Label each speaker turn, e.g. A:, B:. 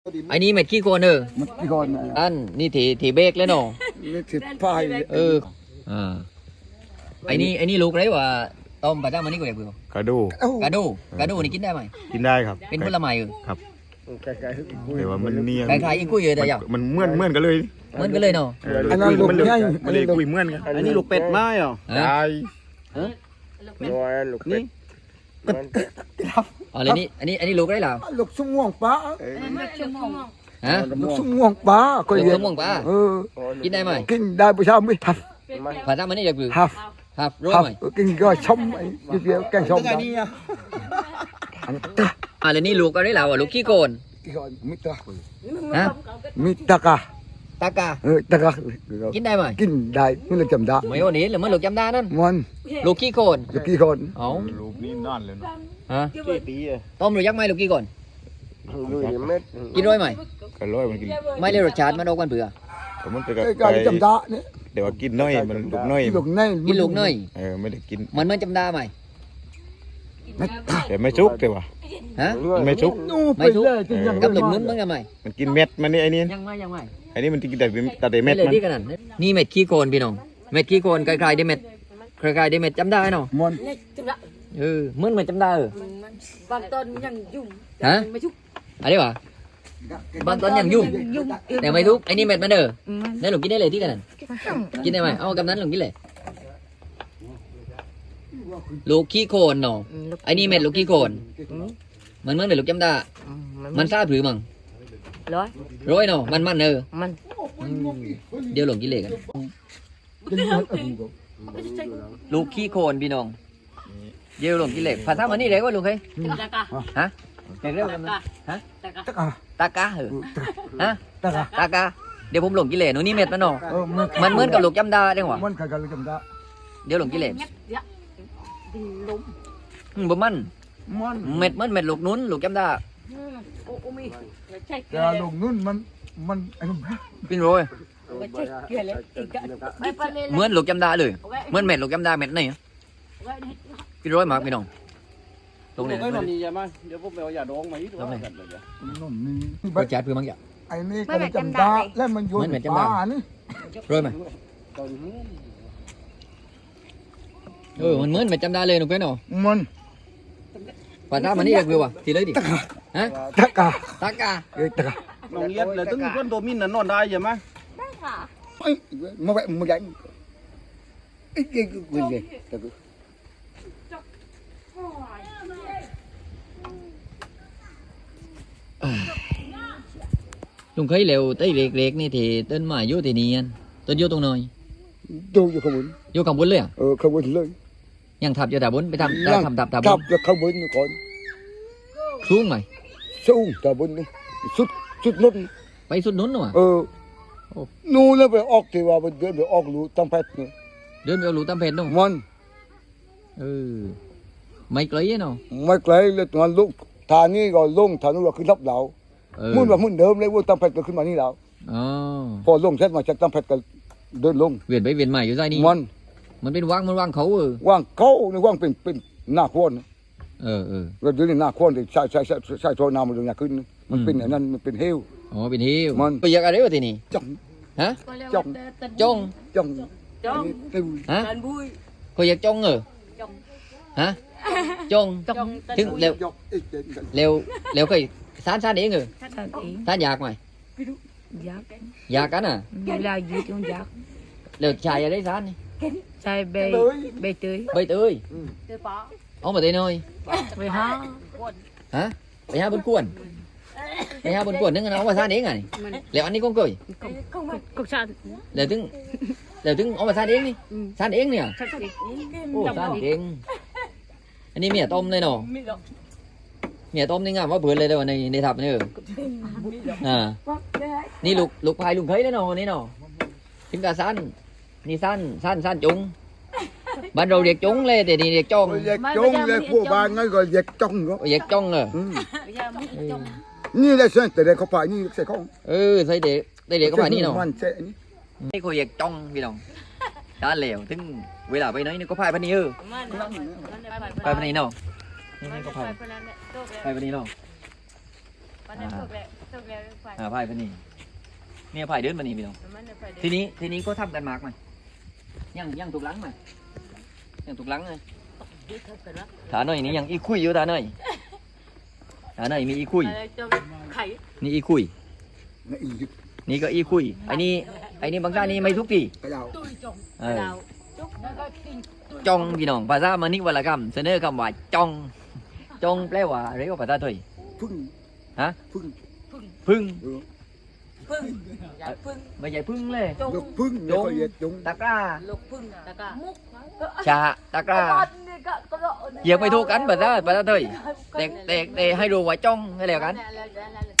A: ไอ้นี่เม็ดขี้โคลน
B: มันกี่คน
A: อันนี่ถีเบรกแล้วเนาะ
B: นี่ถือพาย
A: ไอ้นี่ลูกไรวะต้มปลาจ้ามันนี่ก็แบบ
C: กระดู
A: กระดูนี่กินได้ไหม
C: กินได้ครับ
A: เป็นผลไม้
C: ครับแต่ว่ามันเนี่ย
A: คล้ายๆอีกุ้ยเลยแต่ยัง
C: มันเหมือนกันเลย
A: เหมือนกันเลยเนาะ
B: อันนั้นลูกใหญ่
C: มันเลยคุยเหมือนกัน
D: อันนี้ลูกเป็ดไม้เหรอ
C: ได้
D: ลูกเป็ด
A: อ๋อเลยนี่อันนี้ลูกไรเหรอ
B: ลูกสุ่มม่วงปลา
A: ฮะ
B: ลูกสุ่มม่วงปลาก็
A: ลูก
B: เย
A: ส
B: อะ
A: มองปลากินได้ไหม
B: กินได้ประชาไม่ทับ
A: ปลาจ้ามันนี่แบบ
B: ทับ
A: รู้ไหม
B: กินก็ชมไอ้เดียวแกงชมได้
A: เลยนี่ลูกอะไรเหรอลูกขี้โกน
B: กี่คนมิตร
A: ฮะ
B: มิตรกา
A: ตากา
B: ตากา
A: กินได้ไหม
B: กินได้ไม่เลยจำได้
A: ไม่วันนี้หรือมันลูกจำได้นั่น
B: มัน
A: ลูกขี้โกน
B: ลูกกี่คน
A: อ๋อ
C: ลูกนี่นั่นเลย
A: ฮะ
D: ปีอ่ะ
A: ต้มหรือยักษ์ไหมลูกขี้โกนกินร้อยไหม
C: ก็ร้อยมันกิน
A: ไม่เลยรสชาติมันออกกันเบื่อ
C: มันไป
B: การจำได้เนี่ย
C: เดี๋ยวกินน้อยมันลูกน้อย
A: กินลูกน้อย
C: ไม่ได้กิน
A: มันจำได้ไหม
C: แต่ไม่ชุกแต่ว่า
A: ฮะ
C: ไม่ชุก
A: ไม่ชุกกับลูกนุ้นมันยังไง
C: มันกินเม็ดมันนี่ไอ้นี่
A: ยังไง
C: ไอ้นี่มันกินแต่เม็ดมัน
A: นี่เม็ดขี้โคลนพี่น้องเม็ดขี้โคลนคล้ายๆได้เม็ดคล้ายๆได้เม็ดจำได้เนาะ
B: มัน
A: เหมือนจำได้
E: บางต้นยังยุ่งไม่ชุก
A: อะไรวะบางต้นยังยุ่งแต่ไม่ทุกไอ้นี่เม็ดมันนั่นหลงกินได้เลยที่กันกินได้ไหมเอากำนั้นหลงกินเลยลูกขี้โคลนเนาะไอ้นี่เม็ดลูกขี้โคลนมันเหมือนเม็ดลูกจำได้มันซาผือมั้งร้อยเนาะมัน
E: มัน
A: เดี๋ยวหลงกินเลยกันลูกขี้โคลนพี่น้องเดี๋ยวหลงกินเลยภาษามันนี่เรียกว่าลูกใครฮะเรียกว่าฮะตากาฮะตากาเดี๋ยวผมหลงกินเลยหนูนี่เม็ดมันเนาะมันเหมือนกับลูกจำได้ได้หรอ
B: มันกับลูกจำได้
A: เดี๋ยวหลงกินเลยบ่มันเม็ดเม็ดลูกนุ้นลูกจำได้
B: แต่ลูกนุ่นมัน
A: เป็นโรยเหมือนลูกจำได้เลยเหมือนเม็ดลูกจำได้เม็ดนี่เป็นโรยมากพี่น้องตรงนี้
D: ก็นอนนี่ใช่ไหมเดี๋ยวผมไปเอายาดองมาอีกตัวกันเลย
A: เปิดแจ๊ดเพื่อมั้งจ้ะ
B: ไอ้นี่ก็จำได้แล้วมันโยนปลานี่
A: โรยไหมมันเหมือนเม็ดจำได้เลยหนูเพื่อนเนาะ
B: มัน
A: ภาษามันนี่เรียกว่าทีเลยดิฮะ
B: ตากา
A: ตากา
D: น้องเย็ดเลยตึ้งก้นตัวมินน่ะนอนได้ใช่ไหม
E: ได้ค่ะ
B: มาแบบมาใหญ่ไอ้เก่งกูเลย
A: ลุงเคยเร็วต้นเล็กๆนี่thìต้นไม้อยู่ที่นี่ต้นอยู่ตรงไหน
B: อยู่ข้างบน
A: อยู่ข้างบนเลย
B: ข้างบนเลย
A: ยังทับอยู่แต่บนไปทำทับ
B: อยู่ข้างบนก่อน
A: สูงไหม
B: สูงแต่บนนี่สุดนู้น
A: ไปสุดนู้นหรอ
B: นู่นแล้วไปออกที่ว่าเดินไปออกรูตั้งเพชรนี่
A: เดินไปออกรูตั้งเพชรนู่น
B: มัน
A: ไม่ไกลเนาะ
B: ไม่ไกลเลยตอนลุกทางนี้ก็ลงทางนู้นก็ขึ้นรับเรามุ่นว่ามุ่นเดิมเลยว่าตั้งเพชรก็ขึ้นมานี่แล้วพอลงเสร็จมาจากตั้งเพชรก็เดินลง
A: เวียนไปเวียนใหม่อยู่ใต้นี่มันเป็นว่างเขา
B: ว่างเขาในว่างเป็นหน้าโคนเราเดินหน้าโคนที่ใช่โซนามันลงยาขึ้นมันเป็นอย่างนั้นมันเป็นเฮล
A: เป็นเฮล
B: มัน
A: ไปอยากอะไรวะทีนี่ฮะจงฮะเขาอยากจงฮะจงถึงเร็วเคยสานเองสานอยากไหมอยากกันเร็วชายอะไรสานนี่
E: ใช่ใบเตย
A: เอามาเตยหน่อย
E: ไปหา
A: ฮะไปหาบนกวนนึกเอามาสานเองไงแล้วอันนี้ก็เกย
E: ก็ชา
A: แล้วถึงเอามาสานเองนี่สานเองเนี่ยโอ้สานเองอันนี้เมียต้มเลยเนาะเมียต้มนี่งามว่าเบื่อเลยเดี๋ยวในทับนี่นี่ลูกพายลุงเคยเลยเนาะนี่เนาะถึงกับสั้นนี่สั้นจุงบ้านเราเรียกจุงเลยแต่นี่เรียกจ้อง
B: เลยพวกบ้านงั้นก็เรียกจ้องนี่ได้เส้นแต่เด็กเขาพายนี่ใส่ของ
A: ใส่เด็กเขาพายนี่เนาะนี่เขาเรียกจ้องพี่น้องด้านเหลวถึงเวลาไปไหนนี่ก็พายพันนี้พายพันนี้เนาะนี่ก็พายพันนี้เนาะไผ่พนี่เนี่ยไผ่เดินมานี่พี่น้องทีนี้ก็ทำกันมากไหมยังถูกหลังไหมยังถูกหลังเลยฐานหน่อยนี่ยังอีคุยอยู่ฐานหน่อยมีอีคุยนี่อีคุยนี่ก็อีคุยไอ้นี่บางท่านนี่ไม่ทุกที
B: cái đầu
A: จ้องพี่น้องภาษามณิวรรณกรรมเสนอคำว่าจ้องแปลว่าอะไรก็ภาษาไทย
B: phưng
A: ฮะ
B: phưng
A: พึ่ง
B: ừ.
A: ไม่ใช่พึ่งเลย
B: được phưng
A: Đúng.
B: nó phải việt đúng
A: ตะกร้าชาตะกร้าเหยียบไม่ถูกกันภาษาไทยแต่ให้รู้ว่าจ้องให้แล้วกัน